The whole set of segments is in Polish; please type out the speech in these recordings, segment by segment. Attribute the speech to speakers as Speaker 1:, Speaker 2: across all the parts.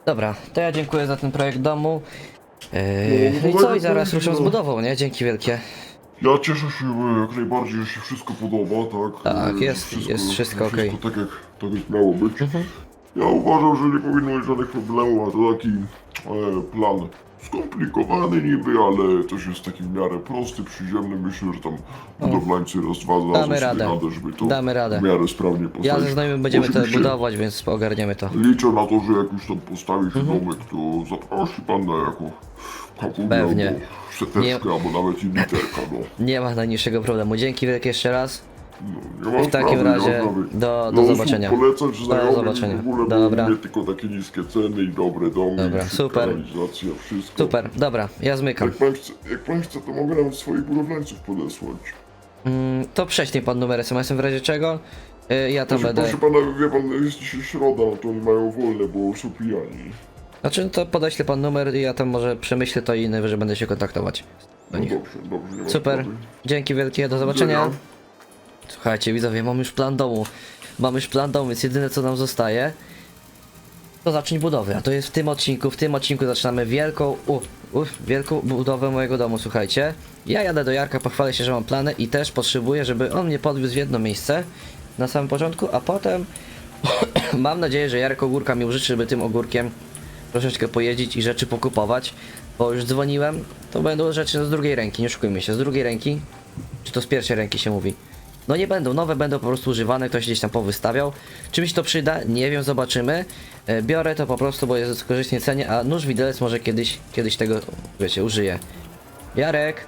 Speaker 1: Dobra, to ja dziękuję za ten projekt domu. No i
Speaker 2: No,
Speaker 1: co? I zaraz
Speaker 2: no,
Speaker 1: ruszam z budową, nie? Dzięki wielkie.
Speaker 2: Ja cieszę się jak najbardziej, że się wszystko podoba, tak?
Speaker 1: Tak,
Speaker 2: Że
Speaker 1: jest wszystko okej.
Speaker 2: Wszystko tak jak miało być. Ja uważam, że nie powinno być żadnych problemów, a to taki plan skomplikowany niby, ale też jest taki w miarę prosty, przyziemny. Myślę, że tam budowlańcy raz, dwa
Speaker 1: Damy
Speaker 2: znajdą sobie
Speaker 1: radę.
Speaker 2: radę, żeby to
Speaker 1: Damy radę.
Speaker 2: w miarę sprawnie postawić.
Speaker 1: Ja ze znajomym będziemy to
Speaker 2: Oczywiście
Speaker 1: budować, więc ogarniemy to.
Speaker 2: liczę na to, że jak już tam postawi się domek, to zaprosi pan na jakąś kapułę
Speaker 1: Pewnie.
Speaker 2: albo seteczkę, albo nawet i literka, no.
Speaker 1: Nie ma najmniejszego problemu. Dzięki wielkie jeszcze raz.
Speaker 2: Nie ma
Speaker 1: W takim
Speaker 2: sprawy,
Speaker 1: razie
Speaker 2: nie ma sprawy.
Speaker 1: do
Speaker 2: Dla osób
Speaker 1: zobaczenia.
Speaker 2: Polecać znajomym
Speaker 1: zobaczenia.
Speaker 2: w ogóle,
Speaker 1: Dobra.
Speaker 2: bo nie tylko takie niskie ceny i dobre domy,
Speaker 1: Dobra,
Speaker 2: i szybka
Speaker 1: super.
Speaker 2: realizacja, wszystko.
Speaker 1: Super, dobra, ja zmykam.
Speaker 2: Jak pan chce, to mogę nawet swoich budowlańców podesłać.
Speaker 1: To prześlij pan numer SMS-em w razie czego. Ja tam będę.
Speaker 2: Proszę pana, wie pan, jest dzisiaj środa, no to oni mają wolne, bo są pijani.
Speaker 1: Znaczy, to podeślę pan numer i ja tam może przemyślę to i najwyżej będę się kontaktować.
Speaker 2: No
Speaker 1: nich.
Speaker 2: dobrze, nie ma
Speaker 1: Super,
Speaker 2: sprawy.
Speaker 1: dzięki wielkie, do zobaczenia.
Speaker 2: Widzenia.
Speaker 1: Słuchajcie, widzowie, mam już plan domu. Mam już plan domu, więc jedyne co nam zostaje to zacząć budowę, a to jest w tym odcinku. W tym odcinku zaczynamy wielką budowę mojego domu, słuchajcie. Ja jadę do Jarka, pochwalę się, że mam plany i też potrzebuję, żeby on mnie podwiózł w jedno miejsce na samym początku, a potem mam nadzieję, że Jarek Ogórka mi użyczy, żeby tym ogórkiem troszeczkę pojeździć i rzeczy pokupować, bo już dzwoniłem, to będą rzeczy z drugiej ręki, nie oszukujmy się, z drugiej ręki, czy to z pierwszej ręki się mówi. No nie będą, nowe będą po prostu używane, ktoś gdzieś tam powystawiał. Czy mi się to przyda? Nie wiem, zobaczymy. Biorę to po prostu, bo jest w korzystnej cenie, a nóż widelec może kiedyś tego, wiecie, użyję. Jarek!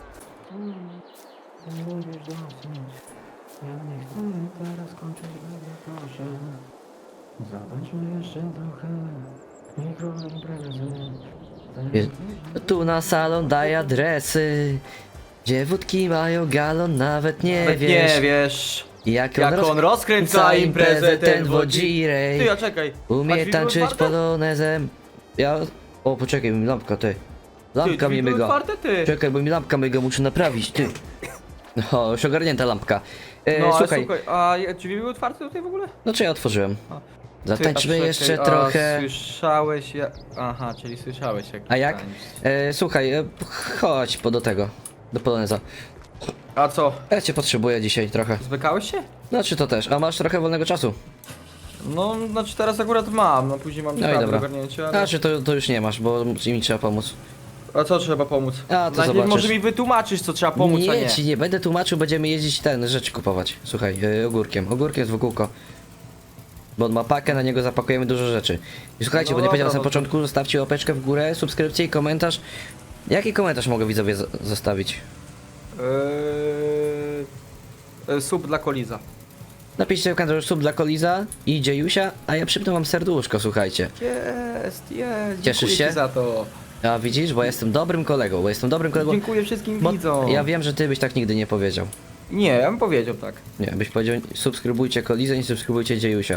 Speaker 3: Ja nie chcę teraz kończyć, proszę. Zatańczmy jeszcze trochę. Mikroimprezy.
Speaker 1: Tu na salon daj adresy. Dziewutki mają galon, nawet nie
Speaker 4: Nawet
Speaker 1: wiesz.
Speaker 4: nie wiesz,
Speaker 1: Jak
Speaker 4: on rozkręca imprezę ten wodzirej. Ty, a czekaj.
Speaker 1: Umie
Speaker 4: a drzwi były
Speaker 1: tańczyć
Speaker 4: otwarte?
Speaker 1: polonezem. Ja... O, poczekaj, mi lampka, ty.
Speaker 4: Ty,
Speaker 1: Lampka
Speaker 4: drzwi
Speaker 1: mi
Speaker 4: były
Speaker 1: myga.
Speaker 4: otwarte, ty.
Speaker 1: Czekaj, bo mi lampka myga, muszę naprawić, ty. No, już ogarnięta lampka.
Speaker 4: No, ale
Speaker 1: Słuchaj,
Speaker 4: słuchaj, a drzwi były otwarte tutaj w ogóle?
Speaker 1: no czy ja otworzyłem?
Speaker 4: A.
Speaker 1: Zatańczmy
Speaker 4: Ty, a
Speaker 1: jeszcze
Speaker 4: czekaj,
Speaker 1: trochę.
Speaker 4: A słyszałeś jak... Aha, czyli słyszałeś jak...
Speaker 1: A jak?
Speaker 4: tańczysz.
Speaker 1: Słuchaj, chodź do tego, do poloneza.
Speaker 4: A co?
Speaker 1: Ja cię potrzebuję dzisiaj trochę.
Speaker 4: Zbykałeś się?
Speaker 1: Znaczy to też, a masz trochę wolnego czasu.
Speaker 4: No, znaczy teraz akurat mam, no później mam
Speaker 1: No i
Speaker 4: sprawy do
Speaker 1: dobra.
Speaker 4: ogarnięcia, ale...
Speaker 1: Znaczy to już nie masz, bo mi trzeba pomóc.
Speaker 4: A co trzeba pomóc?
Speaker 1: A, to
Speaker 4: Najpierw
Speaker 1: zobaczysz.
Speaker 4: może mi wytłumaczysz, co trzeba pomóc, a
Speaker 1: nie,
Speaker 4: nie.
Speaker 1: ci nie będę tłumaczył, będziemy jeździć rzeczy kupować. Słuchaj, ogórkiem. Ogórkiem z wokółko. Bo on ma pakę, na niego zapakujemy dużo rzeczy. I słuchajcie,
Speaker 4: No
Speaker 1: bo nie powiedziałem na
Speaker 4: dobra,
Speaker 1: samym
Speaker 4: no to-
Speaker 1: początku, zostawcie łapeczkę w górę, subskrypcję i komentarz. Jaki komentarz mogę widzowie zostawić?
Speaker 4: Sub dla Koliza.
Speaker 1: Napiszcie w komentarzu sub dla Koliza i Dziejusia, a ja przypnę wam serduszko, słuchajcie.
Speaker 4: Jest.
Speaker 1: Cieszysz
Speaker 4: Dziękuję
Speaker 1: się?
Speaker 4: ci za to.
Speaker 1: A widzisz, bo jestem dobrym kolegą,
Speaker 4: Dziękuję wszystkim
Speaker 1: Bo
Speaker 4: widzom.
Speaker 1: ja wiem, że ty byś tak nigdy nie powiedział.
Speaker 4: Nie, ja bym powiedział tak.
Speaker 1: Nie, byś powiedział subskrybujcie Kolizę, nie subskrybujcie Dziejusia.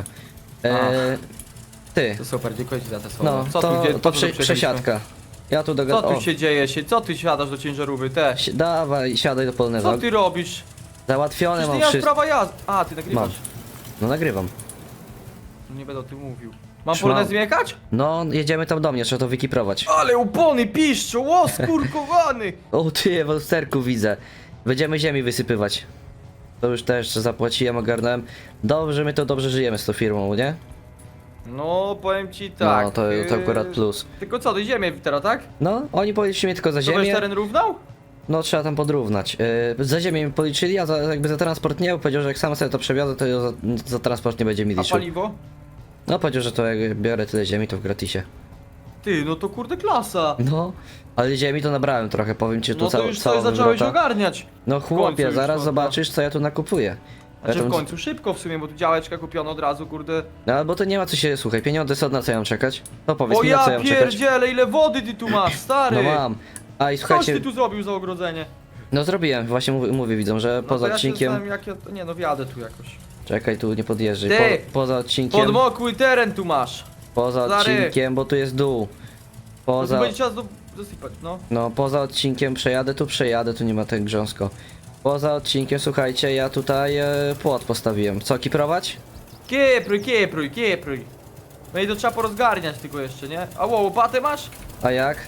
Speaker 1: Ty,
Speaker 4: To super, dziękuję ci za te słowa.
Speaker 1: no
Speaker 4: Co
Speaker 1: to,
Speaker 4: tu, gdzie,
Speaker 1: to
Speaker 4: po co tu przyjechaliśmy?
Speaker 1: przesiadka. Ja tu
Speaker 4: Co
Speaker 1: dogadam.
Speaker 4: tu się dzieje się? Co ty siadasz do ciężarówki? Te.
Speaker 1: Dawaj, siadaj do poloneza.
Speaker 4: Co ty robisz?
Speaker 1: Załatwione
Speaker 4: Przecież
Speaker 1: mam
Speaker 4: nie masz
Speaker 1: wszystko.
Speaker 4: prawa jazdy. A, ty nagrywasz.
Speaker 1: No nagrywam.
Speaker 4: No nie będę o tym mówił. Mam
Speaker 1: Trzymam.
Speaker 4: polonez jechać?
Speaker 1: No, jedziemy tam do mnie, trzeba to wykiprować.
Speaker 4: Ale upony piszczą, o skurkowany!
Speaker 1: O ty, w lusterku widzę. Będziemy ziemi wysypywać. To już też zapłaciłem, ogarnąłem. Dobrze, my to dobrze żyjemy z tą firmą, nie?
Speaker 4: No, powiem ci tak.
Speaker 1: No, to akurat plus.
Speaker 4: Tylko co, do ziemię teraz, tak?
Speaker 1: No, oni policzyli mnie tylko za
Speaker 4: To będziesz
Speaker 1: ziemię.
Speaker 4: teren równał?
Speaker 1: No, trzeba tam podrównać. Za ziemię mi policzyli, a jakby za transport nie, powiedział, że jak sam sobie to przewiozę, to za transport nie będzie mi
Speaker 4: A
Speaker 1: liczył.
Speaker 4: paliwo?
Speaker 1: No, powiedział, że to jak biorę tyle ziemi, to w gratisie.
Speaker 4: Ty, no to kurde klasa.
Speaker 1: No, ale ziemi to nabrałem trochę, powiem ci, tu
Speaker 4: No to już coś zacząłeś
Speaker 1: wywrota.
Speaker 4: ogarniać.
Speaker 1: No
Speaker 4: końcu
Speaker 1: chłopie,
Speaker 4: już,
Speaker 1: zaraz
Speaker 4: no,
Speaker 1: zobaczysz, co ja tu nakupuję.
Speaker 4: Znaczy
Speaker 1: Ja
Speaker 4: w
Speaker 1: tam-
Speaker 4: końcu szybko w sumie, bo tu działeczka kupiona od razu, kurde.
Speaker 1: No, bo to nie ma co się, słuchaj, pieniądze są, na co ja mam czekać? No powiedz
Speaker 4: O
Speaker 1: mi, na co ja
Speaker 4: ja
Speaker 1: mam czekać?
Speaker 4: pierdzielę, ile wody ty tu masz, stary!
Speaker 1: No mam. A i
Speaker 4: Coś
Speaker 1: słuchajcie,
Speaker 4: ty tu zrobił za ogrodzenie?
Speaker 1: no zrobiłem, właśnie mówię widzom, że
Speaker 4: No
Speaker 1: poza
Speaker 4: to ja się
Speaker 1: odcinkiem...
Speaker 4: zastanawiam, jak ja... Nie no, wjadę tu jakoś.
Speaker 1: Czekaj, tu nie podjeżdżaj,
Speaker 4: Ty!
Speaker 1: poza odcinkiem...
Speaker 4: Podmokły teren tu masz.
Speaker 1: Poza
Speaker 4: Stary!
Speaker 1: odcinkiem, bo tu jest dół.
Speaker 4: No tu
Speaker 1: Poza...
Speaker 4: będzie czas dosypać, no.
Speaker 1: No, poza odcinkiem przejadę, tu nie ma tak grząsko. Poza odcinkiem, słuchajcie, ja tutaj płot postawiłem. Co, kiprować?
Speaker 4: Kiepruj. No i to trzeba porozgarniać tylko jeszcze, nie? A wow, łopatę masz?
Speaker 1: A jak?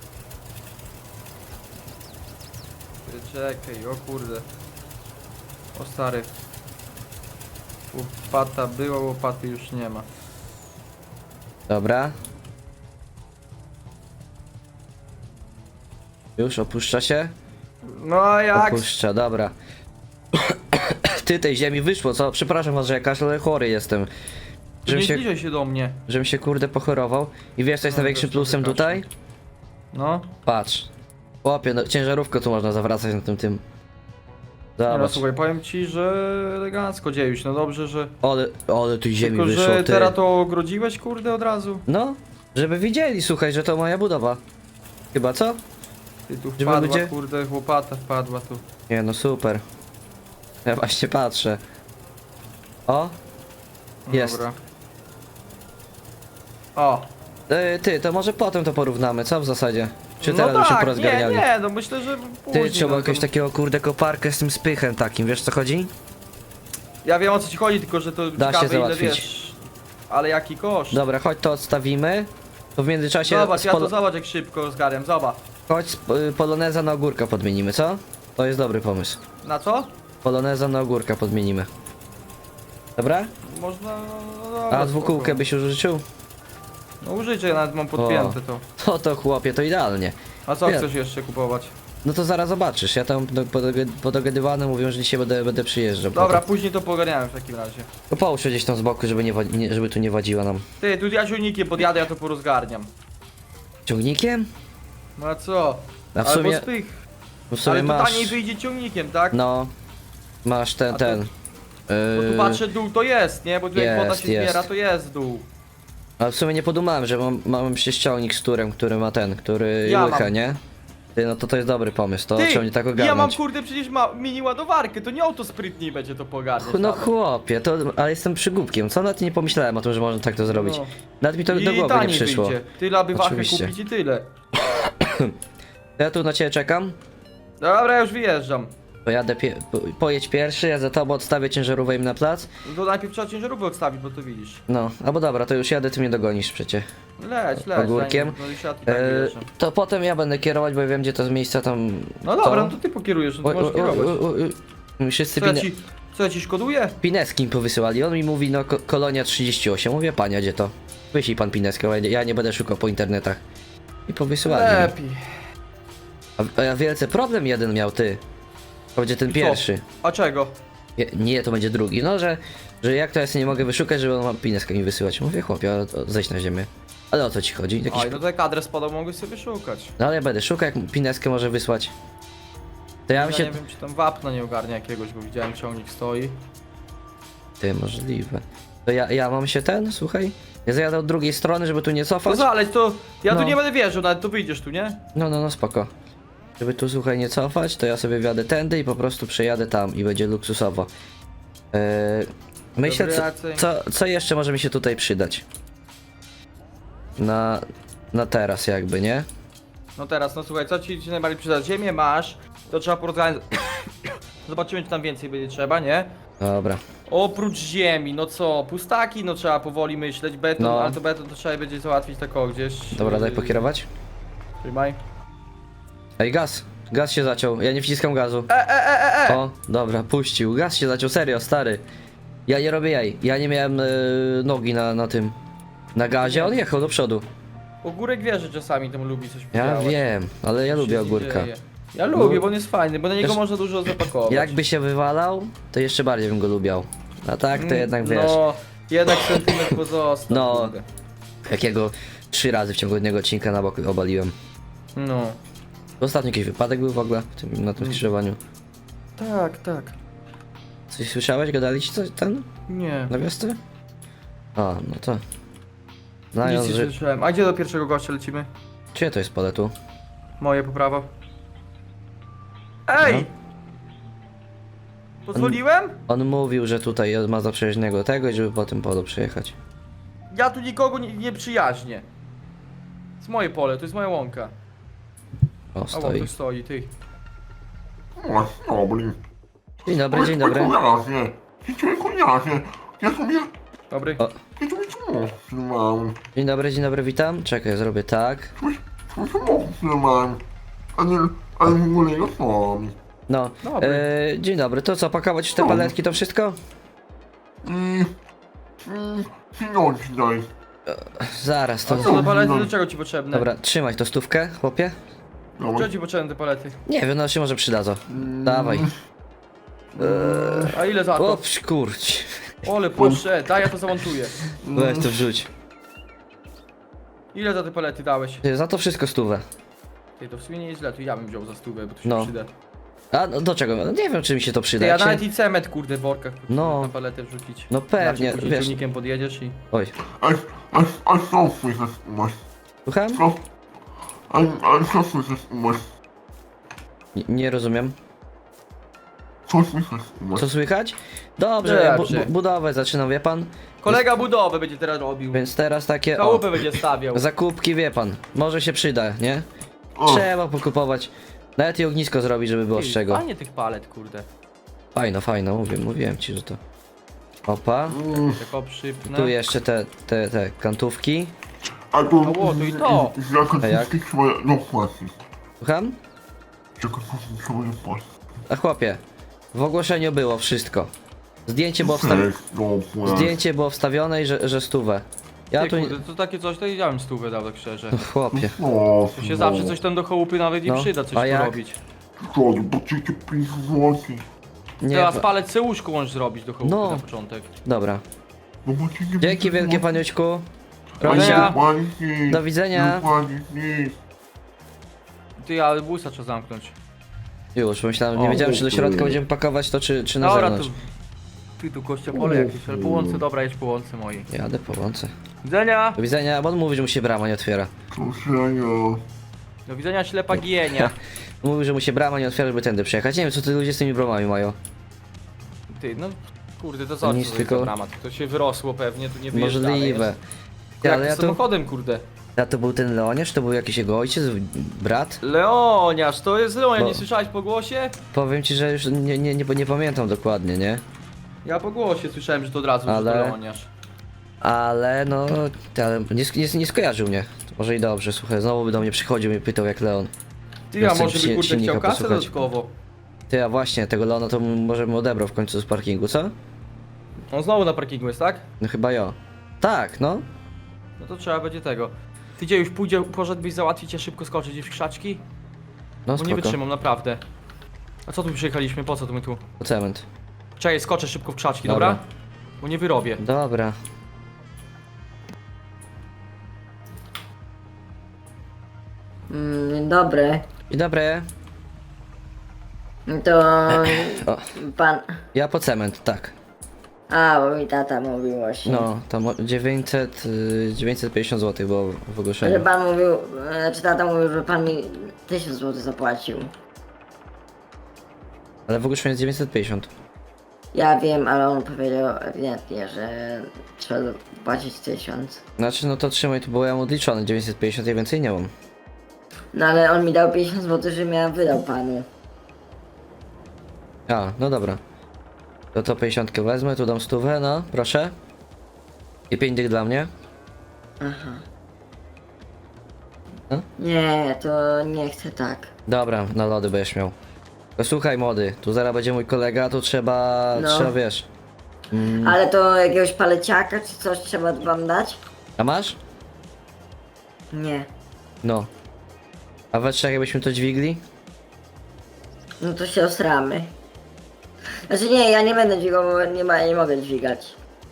Speaker 4: Czekaj, o kurde. O stary. Łopata była, łopaty już nie ma.
Speaker 1: Dobra. Już opuszcza się?
Speaker 4: No a jak?
Speaker 1: Opuszcza, dobra. Ty, tej ziemi wyszło, co? Przepraszam was, że ja kaszle, ale chory jestem.
Speaker 4: Nie zbliżaj się do mnie.
Speaker 1: Żebym się kurde pochorował. I wiesz co jest
Speaker 4: No,
Speaker 1: największym
Speaker 4: też
Speaker 1: plusem
Speaker 4: trochę
Speaker 1: tutaj?
Speaker 4: No.
Speaker 1: Patrz. Chłopie, no, ciężarówkę tu można zawracać na tym.
Speaker 4: Nie no,
Speaker 1: Zobacz.
Speaker 4: słuchaj, powiem ci, że elegancko dziejuś, no dobrze, że...
Speaker 1: Ale tu ziemi
Speaker 4: Tylko,
Speaker 1: wyszło,
Speaker 4: że
Speaker 1: ty.
Speaker 4: teraz to ogrodziłeś, kurde, od razu.
Speaker 1: No, żeby widzieli, słuchaj, że to moja budowa. Chyba co?
Speaker 4: Ty tu
Speaker 1: Żeby
Speaker 4: wpadła,
Speaker 1: ludzie-
Speaker 4: kurde, łopata wpadła tu.
Speaker 1: Nie no, super. Ja właśnie patrzę. O, jest.
Speaker 4: Dobra. O.
Speaker 1: Ty, to może potem to porównamy, co w zasadzie? Czy
Speaker 4: No
Speaker 1: teraz byśmy
Speaker 4: tak,
Speaker 1: porozgarniali?
Speaker 4: nie, no myślę, że później.
Speaker 1: Ty, trzeba
Speaker 4: no,
Speaker 1: jakiegoś
Speaker 4: to-
Speaker 1: takiego kurde koparkę z tym spychem takim, wiesz co chodzi?
Speaker 4: Ja wiem o co ci chodzi, tylko że to
Speaker 1: Da się
Speaker 4: ciekawe ile
Speaker 1: załatwić.
Speaker 4: wiesz. Ale jaki koszt?
Speaker 1: Dobra, chodź to odstawimy. To w międzyczasie
Speaker 4: Zobacz,
Speaker 1: z
Speaker 4: ja to zobacz jak szybko zgarniam, zobacz.
Speaker 1: chodź poloneza na ogórka podmienimy, co? To jest dobry pomysł.
Speaker 4: Na co?
Speaker 1: Poloneza na ogórka podmienimy. Dobra?
Speaker 4: Można... No, dobra,
Speaker 1: A dwukółkę
Speaker 4: spoko.
Speaker 1: byś użyczył?
Speaker 4: No użycie, ja nawet mam podpięte to.
Speaker 1: To chłopie, to idealnie.
Speaker 4: A co
Speaker 1: Ja-
Speaker 4: chcesz jeszcze kupować?
Speaker 1: No to zaraz zobaczysz, ja tam podogadywane mówią, że dzisiaj będę przyjeżdżał.
Speaker 4: Dobra,
Speaker 1: potem.
Speaker 4: później to pogarniamy w takim razie.
Speaker 1: To połóż się gdzieś tam z boku, żeby, żeby tu nie wadziła nam.
Speaker 4: Ty, tu ja silnikiem podjadę, ja to porozgarniam.
Speaker 1: Ciągnikiem?
Speaker 4: No a co?
Speaker 1: A w
Speaker 4: Albo
Speaker 1: sumie,
Speaker 4: z tych.
Speaker 1: w sumie
Speaker 4: Ale to
Speaker 1: masz...
Speaker 4: taniej wyjdzie ciągnikiem, tak?
Speaker 1: No, masz
Speaker 4: A to-
Speaker 1: ten.
Speaker 4: Bo tu patrzę dół to jest, nie? Bo tu jak woda
Speaker 1: jest,
Speaker 4: się zbiera,
Speaker 1: jest.
Speaker 4: to jest dół.
Speaker 1: Ale w sumie nie podumałem, że mam prześciągnik z turem, który ma który
Speaker 4: Ja
Speaker 1: łycha,
Speaker 4: mam.
Speaker 1: nie? Ty, no to jest dobry pomysł, to
Speaker 4: Ty,
Speaker 1: trzeba mnie tak
Speaker 4: ja mam
Speaker 1: ogarnąć.
Speaker 4: kurde przecież mini ładowarkę, to nie autosprytniej będzie to pogarniać.
Speaker 1: No
Speaker 4: nawet.
Speaker 1: chłopie, to, ale jestem przygłupkiem, co? Nawet nie pomyślałem o tym, że można tak to zrobić.
Speaker 4: No.
Speaker 1: Nawet mi to
Speaker 4: I
Speaker 1: do głowy nie
Speaker 4: taniej
Speaker 1: przyszło.
Speaker 4: wyjdzie. Tyle aby wachę
Speaker 1: Oczywiście.
Speaker 4: kupić i tyle.
Speaker 1: Ja tu na ciebie czekam,
Speaker 4: Dobra, ja już wyjeżdżam.
Speaker 1: pojadę, pojedź pierwszy, ja za tobą odstawię ciężarówkę im na plac.
Speaker 4: No to najpierw trzeba ciężarówkę odstawić, bo to widzisz.
Speaker 1: No, albo dobra, to już jadę, ty mnie dogonisz przecie.
Speaker 4: Leć.
Speaker 1: Ogórkiem.
Speaker 4: No już ja tu tak wyjeżdżam.
Speaker 1: To potem ja będę kierować, bo ja wiem gdzie to z miejsca tam...
Speaker 4: No dobra, no to ty pokierujesz, no to możesz kierować.
Speaker 1: Wszyscy
Speaker 4: Co ja ci szkoduję?
Speaker 1: Pineski mi powysyłali, on mi mówi no kolonia 38, mówię panie, gdzie to? Wyślij pan Pineskę, ja nie będę szukał po internetach. I powysyłali mi.
Speaker 4: Lepiej.
Speaker 1: A wielce problem jeden miał ty. To będzie ten
Speaker 4: Co?
Speaker 1: pierwszy.
Speaker 4: A czego?
Speaker 1: Nie, to będzie drugi. No, że jak to ja sobie nie mogę wyszukać, żeby on ma Pineskę mi wysyłać. Mówię chłopie, ale zejdź na ziemię. Ale o co ci chodzi? Jakiś...
Speaker 4: Oj, no to jak adres podał, mogłeś sobie szukać.
Speaker 1: No ale ja będę szukał, jak Pineskę może wysłać. To ja
Speaker 4: Ja
Speaker 1: bym się...
Speaker 4: nie wiem, czy tam wapna nie ogarnia jakiegoś, bo widziałem ciągnik stoi.
Speaker 1: Ty, możliwe. To ja mam się słuchaj? Ja zajadę od drugiej strony, żeby tu nie
Speaker 4: To
Speaker 1: cofać.
Speaker 4: zaleć, to ja
Speaker 1: No.
Speaker 4: tu nie będę wierzył, nawet to wyjdziesz tu, nie?
Speaker 1: No, spoko. Żeby tu, słuchaj, nie cofać, to ja sobie wjadę tędy i po prostu przejadę tam i będzie luksusowo. Myślę,
Speaker 4: Dobry Jacek.
Speaker 1: co jeszcze może mi się tutaj przydać? Na teraz jakby, nie?
Speaker 4: No teraz, no słuchaj, co ci najbardziej przyda? Ziemię masz, to trzeba porozmawiać. Zobaczymy, czy tam więcej będzie trzeba, nie?
Speaker 1: Dobra.
Speaker 4: Oprócz ziemi, no co, pustaki, no trzeba powoli myśleć, beton,
Speaker 1: No.
Speaker 4: ale to beton to trzeba będzie załatwić tak o gdzieś.
Speaker 1: Dobra, daj pokierować.
Speaker 4: Trzymaj.
Speaker 1: Ej, gaz! Gaz się zaciął, ja nie wciskam gazu. O, dobra, puścił. Gaz się zaciął, serio, stary. Ja nie robię jaj. Ja nie miałem nogi na tym. Na gazie, on jechał do przodu.
Speaker 4: Ogórek wie, że czasami tam lubi coś
Speaker 1: Ja
Speaker 4: podziałać.
Speaker 1: wiem, ale ja
Speaker 4: Coś
Speaker 1: lubię
Speaker 4: się z nim
Speaker 1: ogórka.
Speaker 4: dzieje. Ja lubię,
Speaker 1: No.
Speaker 4: bo on jest fajny, bo na niego
Speaker 1: Wiesz,
Speaker 4: można dużo zapakować.
Speaker 1: Jakby się wywalał, to jeszcze bardziej bym go lubiał. A tak, to jednak wiesz.
Speaker 4: No, jednak sentyment pozostał.
Speaker 1: No.
Speaker 4: kurde.
Speaker 1: Jakiego 3 razy w ciągu jednego odcinka na bok obaliłem.
Speaker 4: No.
Speaker 1: Ostatnio jakiś wypadek był w ogóle na tym skrzyżowaniu.
Speaker 4: Tak.
Speaker 1: Coś słyszałeś? Gadali ci coś ten?
Speaker 4: Nie.
Speaker 1: Na wiosce? A, no to.
Speaker 4: Nic
Speaker 1: Znając,
Speaker 4: nie
Speaker 1: że...
Speaker 4: słyszałem. A gdzie do pierwszego gościa lecimy?
Speaker 1: Czyje to jest pole tu?
Speaker 4: Moje po prawo. Ej!
Speaker 1: No.
Speaker 4: Pozwoliłem?
Speaker 1: On mówił, że tutaj ma zaprzyjaźnionego tego i żeby po tym polu przyjechać.
Speaker 4: Ja tu nikogo nie przyjaźnię. To jest moje pole, to jest moja łąka.
Speaker 1: O,
Speaker 4: A on
Speaker 1: stoi.
Speaker 4: tu stoi, ty.
Speaker 2: No, blin.
Speaker 1: Dzień dobry, dzień dobry.
Speaker 2: Koniasie. Koniasie. Ja sobie...
Speaker 4: Dobry.
Speaker 1: O,
Speaker 2: Mam.
Speaker 1: Dzień dobry, witam. Czekaj, zrobię tak.
Speaker 2: Mam. Ale w ogóle nie mam.
Speaker 1: No,
Speaker 4: Dobry.
Speaker 1: dzień dobry, to co, pakować już te paletki, to wszystko?
Speaker 2: Pieniądze daj.
Speaker 1: Zaraz, to...
Speaker 4: Co do palety, do czego ci potrzebne?
Speaker 1: Dobra, trzymaj to stówkę, chłopie.
Speaker 4: Czego ci potrzebne te palety?
Speaker 1: Nie wiem, no się może przydadzą. Dawaj.
Speaker 4: A ile za to?
Speaker 1: O, kurcz.
Speaker 4: Ole, proszę, daj, ja to zamontuję.
Speaker 1: Weź to wrzuć.
Speaker 4: Ile za te palety dałeś?
Speaker 1: Ty, za to wszystko stówę.
Speaker 4: Ty, to w sumie nie jest źle, to ja bym wziął za stówę, bo to się
Speaker 1: No.
Speaker 4: przyda.
Speaker 1: A no, do czego? No, nie wiem, czy mi się to przyda.
Speaker 4: Ty, ja
Speaker 1: Jak się...
Speaker 4: nawet i cement, kurde, w workach
Speaker 1: No.
Speaker 4: na paletę wrzucić.
Speaker 1: No pewnie,
Speaker 4: Inaczej później
Speaker 1: wiesz.
Speaker 4: ciągnikiem podjedziesz i...
Speaker 1: Oj,
Speaker 2: A co słychać u was?
Speaker 1: słucham?
Speaker 2: Co? A co słychać u was?
Speaker 1: Nie rozumiem.
Speaker 2: Co słychać u was?
Speaker 1: Co słychać? Dobrze,
Speaker 4: Dobrze.
Speaker 1: budowę zaczynam, wie pan?
Speaker 4: Kolega budowę będzie teraz robił.
Speaker 1: Więc teraz takie, o,
Speaker 4: Chałupę będzie stawiał.
Speaker 1: zakupki, wie pan. Może się przyda, nie?
Speaker 2: O,
Speaker 1: Trzeba pokupować. Nawet i ognisko zrobić, żeby było z
Speaker 4: Ty,
Speaker 1: czego.
Speaker 4: Fajnie tych palet, kurde.
Speaker 1: Fajno, mówiłem ci, że to... Opa.
Speaker 4: Tylko przypnę.
Speaker 1: Tu jeszcze te kantówki.
Speaker 2: a to...
Speaker 4: O, to i to.
Speaker 1: A jak?
Speaker 2: Zakątki trzeba dopłacić.
Speaker 1: Słucham?
Speaker 2: Zakątki trzeba dopłacić.
Speaker 1: A chłopie, w ogłoszeniu było wszystko. Zdjęcie było, Zdjęcie było wstawione i że stówę. Ja
Speaker 4: Ty,
Speaker 1: tu...
Speaker 4: kurde, to takie coś, to ja bym stówę dał, tak szczerze.
Speaker 1: Chłopie.
Speaker 2: O,
Speaker 4: To się zawsze coś tam do chałupy nawet nie
Speaker 1: No,
Speaker 4: przyda, coś
Speaker 1: a
Speaker 4: tu
Speaker 1: jak?
Speaker 4: robić.
Speaker 2: Szkoda, bo tylko 5 złotych.
Speaker 1: Nie,
Speaker 4: Teraz palec se łóżko możesz zrobić do chałupy
Speaker 1: No.
Speaker 4: na początek.
Speaker 1: dobra.
Speaker 2: No bo ci nie
Speaker 1: Dzięki
Speaker 2: będzie
Speaker 1: wielkie
Speaker 2: złotych.
Speaker 1: paniuśku.
Speaker 2: A nie
Speaker 1: Rosia,
Speaker 2: dopłacić nic.
Speaker 1: do widzenia.
Speaker 2: Nie dopłacić nic.
Speaker 4: Ty, ale busa trzeba zamknąć.
Speaker 1: Już, myślałem, nie
Speaker 4: O,
Speaker 1: wiedziałem czy do środka będziemy pakować to czy na
Speaker 4: Dobra,
Speaker 1: zewnątrz.
Speaker 4: Ty tu kościopole jakieś, ale po łące, dobra, jest po łące mojej.
Speaker 1: Jadę po łące.
Speaker 4: Widzenia!
Speaker 1: Do widzenia, bo on mówi, że mu się brama nie otwiera.
Speaker 2: Proszę,
Speaker 4: Do widzenia, ślepa gienia.
Speaker 1: Mówi, że mu się brama nie otwiera, żeby tędy przejechać. Nie wiem co ty ludzie z tymi bramami mają.
Speaker 4: Ty, no kurde, to co
Speaker 1: Nic,
Speaker 4: to
Speaker 1: tylko-
Speaker 4: za dramat? To się wyrosło pewnie, to nie wyjeżdża.
Speaker 1: Możliwe. Ty,
Speaker 4: Jak
Speaker 1: ale ja to,
Speaker 4: samochodem, kurde.
Speaker 1: to był ten Leoniasz, to był jakiś jego ojciec, brat?
Speaker 4: Leoniasz, to jest Leoniasz,
Speaker 1: No.
Speaker 4: nie słyszałeś po głosie?
Speaker 1: Powiem ci, że już nie pamiętam dokładnie, nie?
Speaker 4: Ja po głosie słyszałem, że to od razu
Speaker 1: Ale-
Speaker 4: że to Leoniasz.
Speaker 1: Ale no, ale nie skojarzył mnie. To może i dobrze, słuchaj, znowu by do mnie przychodził i pytał jak Leon.
Speaker 4: Ty,
Speaker 1: Ja
Speaker 4: a
Speaker 1: chcę
Speaker 4: może by kurde
Speaker 1: silnika
Speaker 4: chciał kasę
Speaker 1: posłuchać.
Speaker 4: dodatkowo?
Speaker 1: Ty, a właśnie, tego Leona to może mu odebrał w końcu z parkingu, co?
Speaker 4: On znowu na parkingu jest, tak?
Speaker 1: No chyba jo. Tak, no.
Speaker 4: No to trzeba będzie tego. Ty gdzie już poszedłbyś załatwić, a szybko skoczyć w krzaczki?
Speaker 1: No
Speaker 4: Bo nie
Speaker 1: spoko.
Speaker 4: wytrzymam, naprawdę. A co tu przyjechaliśmy? Po co tu my tu?
Speaker 1: Po cement.
Speaker 4: Czekaj, skoczę szybko w krzaczki,
Speaker 1: Dobra.
Speaker 4: dobra? Bo nie wyrobię.
Speaker 1: Dobra.
Speaker 5: Dzień dobry.
Speaker 1: Dzień dobry.
Speaker 5: To
Speaker 1: O,
Speaker 5: pan.
Speaker 1: ja po cement, tak.
Speaker 5: A, bo mi tata mówił właśnie.
Speaker 1: No, tam 950 zł było w
Speaker 5: Że
Speaker 1: ogłoszeniu.
Speaker 5: pan mówił, znaczy tata mówił, że pan mi 1000 zł zapłacił.
Speaker 1: Ale w ogłoszeniu jest 950.
Speaker 5: Ja wiem, ale on powiedział ewidentnie, że trzeba zapłacić 1000.
Speaker 1: Znaczy, no to trzymaj, to było ja mu odliczone, 950 i więcej nie mam.
Speaker 5: No ale on mi dał 50 zł, że ja wydał panu.
Speaker 1: A, no dobra. To 50 wezmę, tu dam 100, no, proszę. I 5 dych dla mnie.
Speaker 5: Nie, to nie chcę tak.
Speaker 1: Dobra, na lody będziesz miał. To słuchaj młody, tu zaraz będzie mój kolega, tu trzeba,
Speaker 5: No.
Speaker 1: wiesz.
Speaker 5: Ale to jakiegoś paleciaka czy coś trzeba wam dać?
Speaker 1: A masz?
Speaker 5: Nie.
Speaker 1: No. A we trzech jakbyśmy to dźwigli?
Speaker 5: No to się osramy. Znaczy nie, ja nie będę dźwigał, bo nie mogę dźwigać.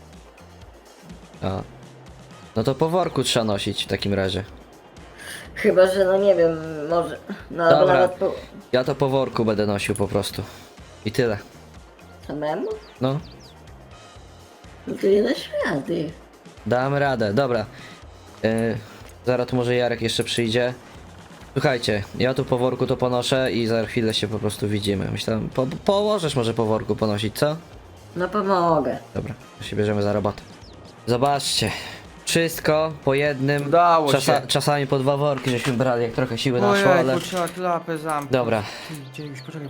Speaker 1: A. No to po worku trzeba nosić w takim razie.
Speaker 5: Chyba, że no nie wiem, może. No albo
Speaker 1: Dobra.
Speaker 5: nawet po
Speaker 1: Ja to po worku będę nosił po prostu. I tyle.
Speaker 5: samemu?
Speaker 1: No.
Speaker 5: No to nie dasz rady.
Speaker 1: Damy radę, dobra. Zaraz tu może Jarek jeszcze przyjdzie. Słuchajcie, ja tu po worku to ponoszę i za chwilę się po prostu widzimy. Myślałem, położesz może po worku ponosić, co?
Speaker 5: No pomogę.
Speaker 1: Dobra, to się bierzemy za robotę. Zobaczcie, wszystko po jednym.
Speaker 4: Udało się.
Speaker 1: Czasami po 2 worki żeśmy brali, jak trochę siły naszło, ale...
Speaker 4: Ojej, trzeba klapę zamknąć.
Speaker 1: Dobra.
Speaker 4: Ty, Dziejuś, poczekaj.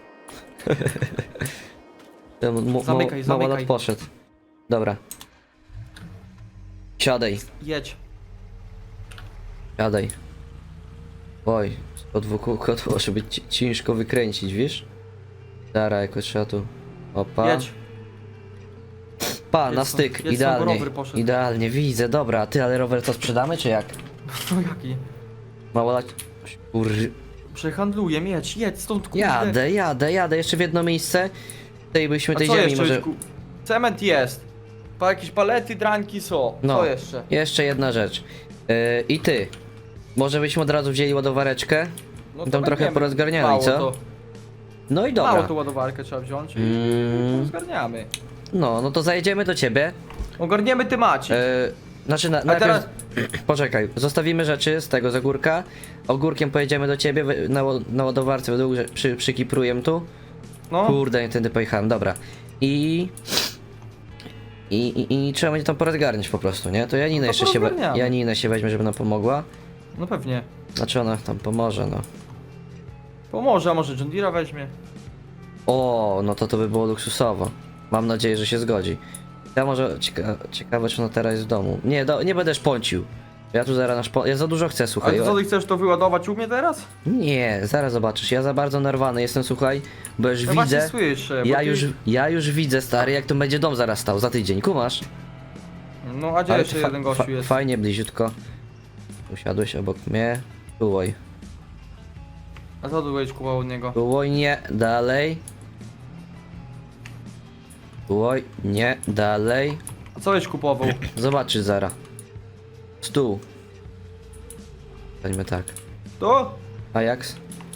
Speaker 1: Ten
Speaker 4: Zamykaj,
Speaker 1: małolat
Speaker 4: zamykaj.
Speaker 1: poszedł. Dobra. Siadaj,
Speaker 4: Jedź.
Speaker 1: siadaj. Oj, od dwóch może być ciężko wykręcić, wiesz? Dara, jakoś trzeba tu... Opa.
Speaker 4: Jedź.
Speaker 1: Pa,
Speaker 4: Jedź
Speaker 1: na
Speaker 4: stąd,
Speaker 1: styk,
Speaker 4: jedź stąd, bo
Speaker 1: idealnie.
Speaker 4: rower poszedł.
Speaker 1: Idealnie, widzę, dobra. Ty, ale rower to sprzedamy, czy jak?
Speaker 4: No jaki?
Speaker 1: Mało lać...
Speaker 4: Przehandluję, jedź stąd, kurde.
Speaker 1: Jadę, jeszcze w jedno miejsce. Tutaj byśmy
Speaker 4: A
Speaker 1: tej
Speaker 4: co
Speaker 1: ziemi
Speaker 4: jeszcze?
Speaker 1: może...
Speaker 4: Cement jest. Jakieś palety, dranki są.
Speaker 1: No,
Speaker 4: Co jeszcze?
Speaker 1: jeszcze jedna rzecz. I ty. Może byśmy od razu wzięli ładowareczkę?
Speaker 4: No
Speaker 1: Tam trochę
Speaker 4: weźmiemy.
Speaker 1: porozgarniali,
Speaker 4: Mało
Speaker 1: co?
Speaker 4: To,
Speaker 1: No i
Speaker 4: mało
Speaker 1: dobra.
Speaker 4: to ładowarkę trzeba wziąć i zgarniamy.
Speaker 1: No to zajedziemy do ciebie.
Speaker 4: Ogarniemy temacie.
Speaker 1: Znaczy,
Speaker 4: A
Speaker 1: najpierw...
Speaker 4: teraz...
Speaker 1: Poczekaj, zostawimy rzeczy z tego z ogórka. Ogórkiem pojedziemy do ciebie na ładowarce, według, że przykipruję tu.
Speaker 4: No,
Speaker 1: Kurde, nie tędy pojechałem, dobra. I trzeba będzie tam porozgarniać po prostu, nie? To Janinę
Speaker 4: No to
Speaker 1: jeszcze się,
Speaker 4: porozgarniamy.
Speaker 1: Janinę się weźmie, żeby nam pomogła.
Speaker 4: no pewnie.
Speaker 1: Znaczy ona tam pomoże, no.
Speaker 4: Pomoże, a może John Deere'a weźmie.
Speaker 1: O, no to by było luksusowo. Mam nadzieję, że się zgodzi. Ja może, ciekawe czy ona teraz jest w domu. Nie, nie będę szponcił. Ja tu zaraz ja za dużo chcę, słuchaj.
Speaker 4: Ale co, ty chcesz to wyładować u mnie teraz?
Speaker 1: Nie, zaraz zobaczysz, ja za bardzo nerwany jestem, słuchaj, bo już
Speaker 4: Ja właśnie
Speaker 1: widzę...
Speaker 4: słyszę, bo
Speaker 1: Ja już widzę, stary, jak tu będzie dom zaraz stał, za tydzień, kumasz?
Speaker 4: No, a gdzie
Speaker 1: Ale
Speaker 4: jeszcze
Speaker 1: fa-
Speaker 4: jeden gościu jest?
Speaker 1: Fajnie, bliziutko. Usiadłeś obok mnie. Tułoj.
Speaker 4: A co tu będziesz kupował od niego?
Speaker 1: Tułoj, nie, dalej. Tułoj, nie, dalej.
Speaker 4: A co będziesz kupował?
Speaker 1: Zobaczysz zara. Stół. Stańmy tak.
Speaker 4: To?
Speaker 1: Ajax.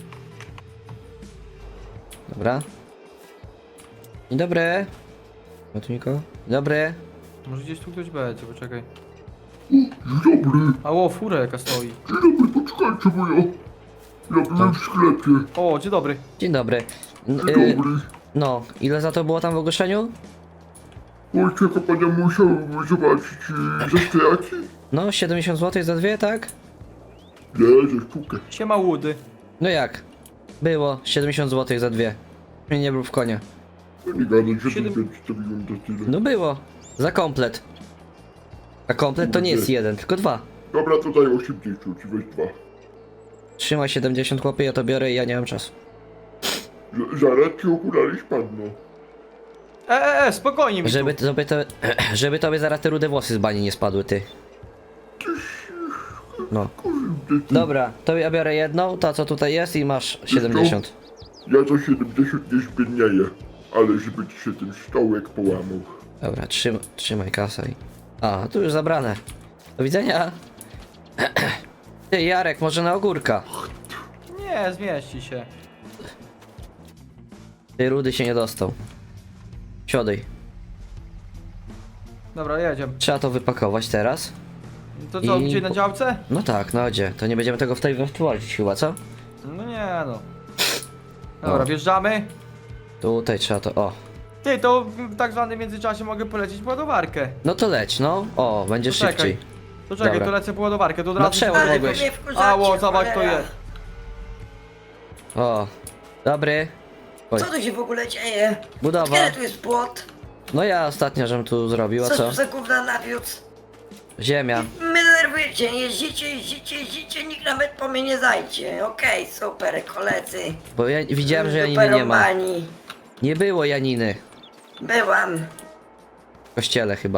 Speaker 1: Dobra. Dzień dobry. Ma tu nikogo? Dzień dobry.
Speaker 4: Może gdzieś tu ktoś będzie, poczekaj.
Speaker 2: Dzień dobry,
Speaker 4: A fura jaka stoi.
Speaker 2: dzień dobry, poczekajcie, bo ja byłem w sklepie.
Speaker 4: O, dzień dobry.
Speaker 1: Dzień dobry. N-
Speaker 2: Dzień dobry.
Speaker 1: No, ile za to było tam w ogłoszeniu?
Speaker 2: Wojciech, pania musiał zobaczyć ze stojaki?
Speaker 1: No, 70 zł za dwie, tak?
Speaker 2: Nie, ze sztukę.
Speaker 4: Siema łudy.
Speaker 1: No jak? Było 70 zł za dwie. Mnie nie był w konia.
Speaker 2: Ja nie gadać, że
Speaker 4: Siedem-
Speaker 2: ten przedstawiłem za tyle.
Speaker 1: No było. Za komplet. A komplet to nie jest jeden, tylko dwa.
Speaker 2: Dobra, to daj 80, ci weź 2.
Speaker 1: Trzymaj 70 chłopie, ja to biorę i ja nie mam czasu.
Speaker 2: Zaraz ci okulary spadną.
Speaker 4: Spokojnie mi
Speaker 1: Żeby tobie zaraz te rude włosy z bani nie spadły, ty. No. Dobra, to ja biorę jedną, ta co tutaj jest i masz 70.
Speaker 2: Ja za 70 nie zbiednieję, ale żeby ci się ten stołek połamał.
Speaker 1: Dobra, trzymaj kasę i... A, tu już zabrane. Do widzenia. Ty, Jarek, może na ogórka.
Speaker 4: tu. Nie, zmieści się.
Speaker 1: Ty, rudy się nie dostał. Siodaj.
Speaker 4: Dobra, jedziemy.
Speaker 1: Trzeba to wypakować teraz.
Speaker 4: To co,
Speaker 1: I-
Speaker 4: gdzie na działce?
Speaker 1: No tak, no gdzie? To nie będziemy tego wtłoczyć chyba, co?
Speaker 4: No nie no. Dobra,
Speaker 1: O.
Speaker 4: wjeżdżamy.
Speaker 1: Tutaj trzeba to... O.
Speaker 4: Ty, to w tak zwanym międzyczasie mogę polecieć po ładowarkę.
Speaker 1: No to leć, no. O, będzie
Speaker 4: Poczekaj.
Speaker 1: szybciej.
Speaker 4: To czekaj,
Speaker 1: Dobra.
Speaker 4: to lecę po ładowarkę, to od
Speaker 1: Na
Speaker 4: razu...
Speaker 1: przełom
Speaker 5: Ale
Speaker 1: mogłeś.
Speaker 5: wy mnie wkurzacie,
Speaker 4: Ało, zobacz to
Speaker 5: cholera.
Speaker 4: jest.
Speaker 1: O. Dobry. Oj,
Speaker 5: Co tu się w ogóle dzieje?
Speaker 1: budowa.
Speaker 5: Kiedy tu jest płot?
Speaker 1: No ja ostatnio żem tu zrobił, a
Speaker 5: Co
Speaker 1: co?
Speaker 5: tu za gówna nawiódł?
Speaker 1: Ziemia.
Speaker 5: My denerwujecie, jeździcie, nikt nawet po mnie nie zajdzie. Okej, super, koledzy.
Speaker 1: Bo ja widziałem, że Janiny nie ma.
Speaker 5: Duperomani.
Speaker 1: Nie było Janiny.
Speaker 5: Byłam
Speaker 1: W kościele chyba.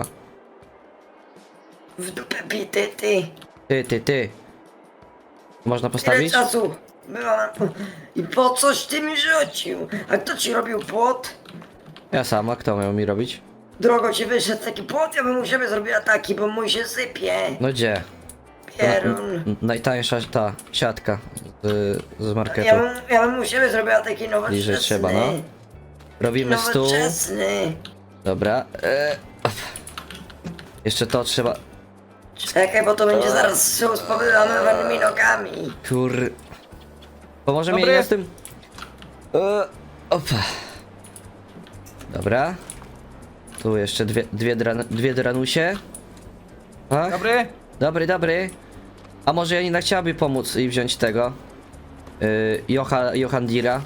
Speaker 5: w dupę bity, ty.
Speaker 1: Ty. Można
Speaker 5: Ile
Speaker 1: postawić?
Speaker 5: czasu byłam. I po coś ty mi rzucił? A kto ci robił płot?
Speaker 1: Ja sama, kto miał mi robić?
Speaker 5: Drogo ci wyszedł taki płot, ja bym u siebie zrobiła taki, bo mój się sypie.
Speaker 1: No gdzie?
Speaker 5: Pierun.
Speaker 1: Najtańsza ta siatka z marketu.
Speaker 5: Ja bym u siebie zrobiła taki nowoczesny.
Speaker 1: Bliżej trzeba, no. Robimy stół.
Speaker 5: Nowoczesny.
Speaker 1: Dobra. Op. Jeszcze to trzeba...
Speaker 5: Czekaj, bo to będzie zaraz stół z powyłamywanymi nogami.
Speaker 1: Kur... Pomoże mi
Speaker 4: Dobry.
Speaker 1: ja z tym... Opa. Dobra. Tu jeszcze dwie dranusie. Ach.
Speaker 4: Dobry?
Speaker 1: A może Janina chciałaby pomóc i wziąć tego? Johandira.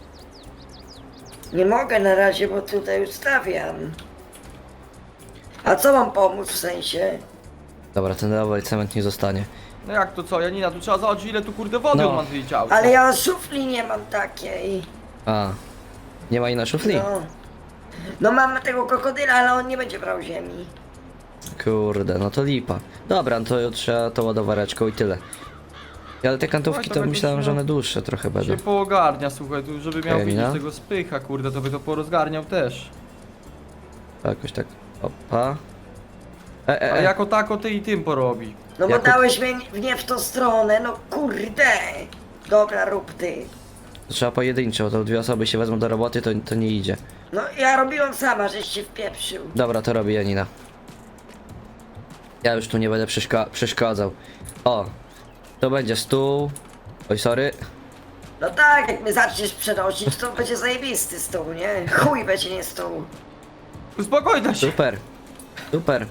Speaker 5: Nie mogę na razie, bo tutaj ustawiam. A co mam pomóc w sensie?
Speaker 1: Dobra, ten rower cement nie zostanie.
Speaker 4: No jak to co, Janina, tu trzeba zobaczyć ile tu kurde wody
Speaker 1: No.
Speaker 4: on ma wyliczał.
Speaker 5: Ale ja szufli nie mam takiej.
Speaker 1: A. Nie ma jej na szufli?
Speaker 5: No. No mam tego krokodyla, ale on nie będzie brał ziemi.
Speaker 1: Kurde, no to lipa. Dobra, no to trzeba tą ładowareczką i tyle. Ale te kantówki
Speaker 4: Oj, to
Speaker 1: to
Speaker 4: będzie
Speaker 1: myślałem,
Speaker 4: się-
Speaker 1: że one dłuższe trochę będą.
Speaker 4: Się poogarnia, słuchaj, tu żeby miał
Speaker 1: Janina?
Speaker 4: widzieć tego spycha, kurde, to by to porozgarniał też.
Speaker 1: Jakoś tak. Opa.
Speaker 4: A jako tako ty i tym porobi.
Speaker 5: No bo
Speaker 1: Jako-
Speaker 5: dałeś mnie w tą stronę, no kurde. Dobra, rób ty.
Speaker 1: Trzeba pojedynczo, to dwie osoby się wezmą do roboty, to nie idzie.
Speaker 5: No ja robiłam sama, żeś się wpieprzył.
Speaker 1: Dobra, to robi Janina. Ja już tu nie będę przeszkadzał. O, to będzie stół. Oj, sorry.
Speaker 5: No tak, jak mnie zaczniesz przenosić, to będzie zajebisty stół, nie? Chuj będzie nie stół.
Speaker 4: Uspokojna się,
Speaker 1: Super. Super.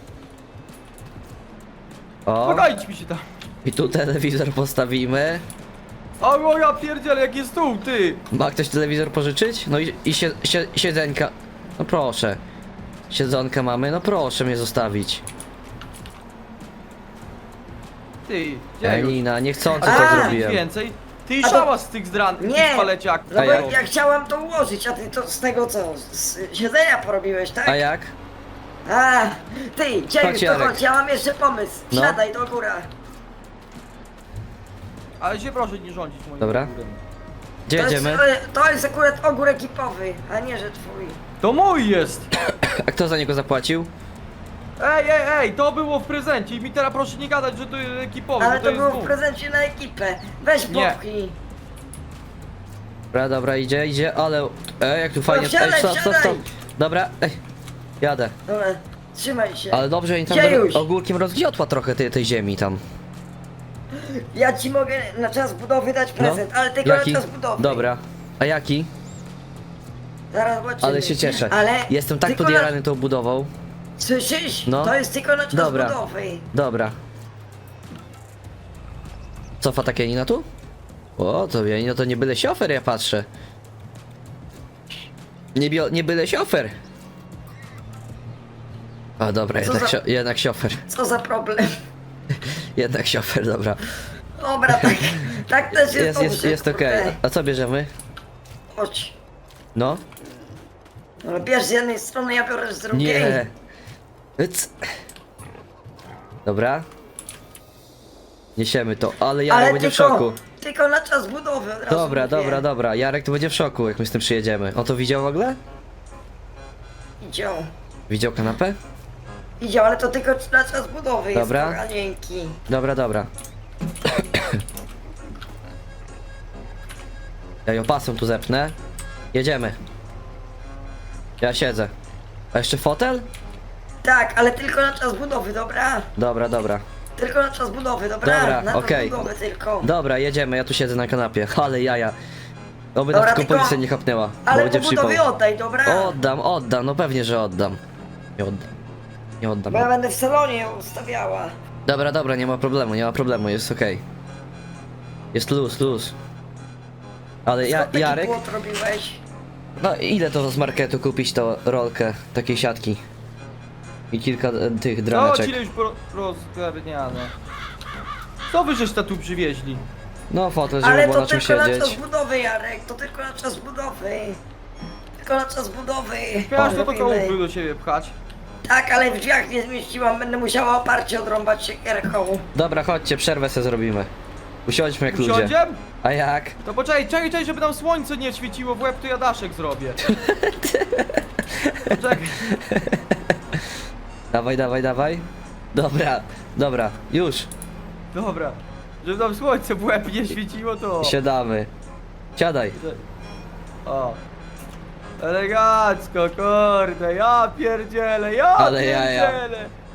Speaker 1: O,
Speaker 4: uspokoić mi się tam.
Speaker 1: i tu telewizor postawimy.
Speaker 4: O ja pierdzielę, jaki jest stół, ty!
Speaker 1: Ma ktoś telewizor pożyczyć? No i siedzenka. No proszę. Siedzonka mamy, no proszę mnie zostawić.
Speaker 4: Ty, gdzie już?
Speaker 1: Janina, niechcący
Speaker 5: A,
Speaker 1: to
Speaker 4: Nic
Speaker 1: zrobiłem.
Speaker 4: więcej. Ty
Speaker 5: A to-
Speaker 4: szałas z tych
Speaker 5: Nie.
Speaker 4: paleciak.
Speaker 5: No
Speaker 1: A
Speaker 5: bo
Speaker 1: jak?
Speaker 5: ja chciałam to ułożyć, a ty to z tego co? Z siedzenia porobiłeś, tak?
Speaker 1: A jak?
Speaker 5: A, ty,
Speaker 1: Chodź,
Speaker 5: Dziewisz, to
Speaker 1: Jarek.
Speaker 5: chodź, ja mam jeszcze pomysł.
Speaker 1: No.
Speaker 5: Siadaj do góra.
Speaker 4: Ale się proszę nie rządzić moim
Speaker 1: Dobra.
Speaker 4: ogórem.
Speaker 1: Gdzie jedziemy?
Speaker 5: To jest akurat ogór ekipowy, a nie, że twój.
Speaker 4: To mój jest!
Speaker 1: A kto za niego zapłacił?
Speaker 4: Ej, to było w prezencie i mi teraz proszę nie gadać, że to jest ekipowe,
Speaker 5: Ale
Speaker 4: bo
Speaker 5: to
Speaker 4: jest
Speaker 5: było w
Speaker 4: mój.
Speaker 5: prezencie na ekipę. Weź
Speaker 4: Nie.
Speaker 5: popchnij.
Speaker 1: Dobra, idzie, ale... jak tu fajnie...
Speaker 5: wsiadaj,
Speaker 1: stop.
Speaker 5: wsiadaj.
Speaker 1: Dobra, jadę.
Speaker 5: Dobra, trzymaj się.
Speaker 1: Ale dobrze, oni tam
Speaker 5: Dziejuś.
Speaker 1: ogórkiem rozgniotła trochę tej ziemi tam.
Speaker 5: Ja ci mogę na czas budowy dać prezent, ale tylko
Speaker 1: No. Jaki?
Speaker 5: na czas budowy.
Speaker 1: Dobra. A jaki?
Speaker 5: Zaraz zobaczymy.
Speaker 1: Ale się cieszę.
Speaker 5: Ale
Speaker 1: Jestem tak
Speaker 5: tylko
Speaker 1: podjarany tą budową.
Speaker 5: Słyszysz?
Speaker 1: No.
Speaker 5: To jest tylko na czas
Speaker 1: Dobra.
Speaker 5: budowy.
Speaker 1: Dobra. Cofa tak Janina tu? O, to Janino to nie byle siofer, ja patrzę. Nie byle siofer. A dobra,
Speaker 5: Co za-
Speaker 1: jednak siofer.
Speaker 5: Co za problem?
Speaker 1: Jednak siofer, dobra.
Speaker 5: Dobra, tak też jest dobrze,
Speaker 1: Jest okej.
Speaker 5: kurde.
Speaker 1: A co bierzemy?
Speaker 5: Chodź.
Speaker 1: No?
Speaker 5: No, bierz z jednej strony, ja biorę z drugiej.
Speaker 1: Nie. Cyc. Dobra. Niesiemy to, ale Jarek
Speaker 5: Ale
Speaker 1: będzie w
Speaker 5: tylko,
Speaker 1: szoku.
Speaker 5: tylko na czas budowy od razu mówię.
Speaker 1: Dobra. Jarek tu będzie w szoku, jak my z tym przyjedziemy. On to widział w ogóle?
Speaker 5: Idzie,
Speaker 1: Widział kanapę?
Speaker 5: idzie, ale to tylko na czas budowy
Speaker 1: Dobra.
Speaker 5: jest, kochanieńki.
Speaker 1: Dobra. Ja ją pasem tu zepnę. Jedziemy. Ja siedzę. A jeszcze fotel?
Speaker 5: Tak, ale tylko na czas budowy, dobra?
Speaker 1: Dobra.
Speaker 5: Tylko na czas budowy, dobra?
Speaker 1: Dobra,
Speaker 5: na czas
Speaker 1: okej.
Speaker 5: budowy tylko.
Speaker 1: Dobra, jedziemy, ja tu siedzę na kanapie. Ale jaja. Oby
Speaker 5: Dobra,
Speaker 1: nas tylko
Speaker 5: tylko-
Speaker 1: policja nie chapnęła. bo
Speaker 5: Ale
Speaker 1: będzie
Speaker 5: po budowie
Speaker 1: przypał.
Speaker 5: oddaj, dobra?
Speaker 1: Oddam, no pewnie, że oddam. Nie oddam.
Speaker 5: Bo ja będę w salonie ją ustawiała.
Speaker 1: Dobra, nie ma problemu, jest okej. Jest luz. Ale
Speaker 5: Skąd taki
Speaker 1: Jarek,
Speaker 5: płot robiłeś?
Speaker 1: no ile to z marketu kupić tą rolkę takiej siatki? I kilka tych
Speaker 4: No,
Speaker 1: draneczek.
Speaker 4: ci już rozgarniane. Co wy żeś tu przywieźli?
Speaker 1: No fotel, żeby
Speaker 5: Ale
Speaker 1: było
Speaker 5: to
Speaker 1: na czym
Speaker 5: tylko na czas
Speaker 1: siedzieć.
Speaker 5: budowy, Jarek, to tylko na czas budowy. Tylko na czas budowy.
Speaker 4: Miałeś to
Speaker 5: Robimy.
Speaker 4: kołupy do siebie pchać.
Speaker 5: Tak, ale w drzwiach nie zmieściłam, będę musiała oparcie odrąbać siekierką.
Speaker 1: Dobra, chodźcie, przerwę sobie zrobimy. Usiądźmy jak ludzie.
Speaker 4: Usiądziem?
Speaker 1: A jak?
Speaker 4: To poczekaj, żeby nam słońce nie świeciło w łeb, to ja daszek zrobię. Poczekaj.
Speaker 1: Dawaj. Dobra, już.
Speaker 4: Dobra. Żeby nam słońce w łeb nie świeciło, to...
Speaker 1: Siadamy. Siadaj.
Speaker 4: O. Elegancko, kurde, ja pierdzielę,
Speaker 1: Ale jaja.
Speaker 4: pierdzielę.